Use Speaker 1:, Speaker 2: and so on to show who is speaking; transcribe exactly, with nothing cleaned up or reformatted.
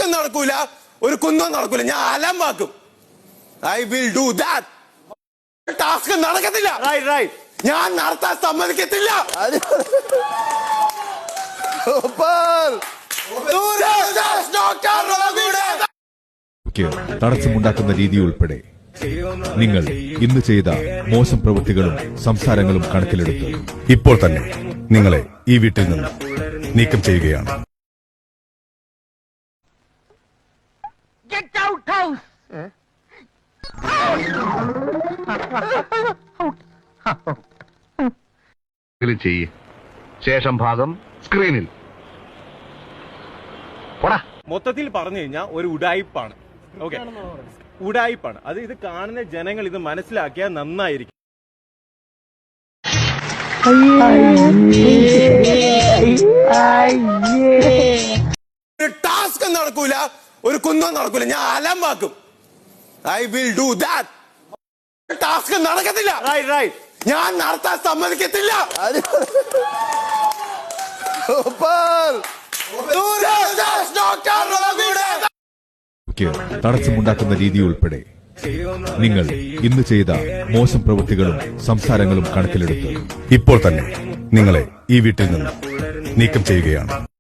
Speaker 1: Task നടക്കൂല, ഒരു കുന്തം നടക്കൂല. ഞാൻ അലമ്പാക്കും. I will do that. Task നടക്കത്തില്ല. ഞാൻ നടത്താൻ സമ്മതിക്കത്തില്ല.
Speaker 2: തടസ്സമുണ്ടാക്കുന്ന രീതി ഉൾപ്പെടെ നിങ്ങൾ ഇന്ന് ചെയ്ത മോശം പ്രവൃത്തികളും സംസാരങ്ങളും കണക്കിലെടുത്ത് ഇപ്പോൾ തന്നെ നിങ്ങളെ ഈ വീട്ടിൽ നിന്ന് നീക്കം ചെയ്യുകയാണ്.
Speaker 3: ചെയ്യ്. ശേഷം ഭാഗം സ്ക്രീനിൽ.
Speaker 4: മൊത്തത്തിൽ പറഞ്ഞു കഴിഞ്ഞാൽ ഒരു ഉഡായിപ്പാണ്. ഓക്കെ, ഉഡായിപ്പാണ് അത്. ഇത് കാണുന്ന ജനങ്ങൾ ഇത് മനസ്സിലാക്കിയാൽ നന്നായിരിക്കും.
Speaker 1: ടാസ്ക് നടക്കൂല, ഒരു കുന്തം നടക്കൂല. ഞാൻ അലമ്പാക്കും. I will do that. Task നടക്കത്തില്ല. ഞാൻ നടത്താൻ സമ്മതിക്കത്തില്ല.
Speaker 2: തടസ്സമുണ്ടാക്കുന്ന രീതി ഉൾപ്പെടെ നിങ്ങൾ ഇന്ന് ചെയ്ത മോശം പ്രവൃത്തികളും സംസാരങ്ങളും കണക്കിലെടുത്ത് ഇപ്പോൾ തന്നെ നിങ്ങളെ ഈ വീട്ടിൽ നിന്ന് നീക്കം ചെയ്യുകയാണ്.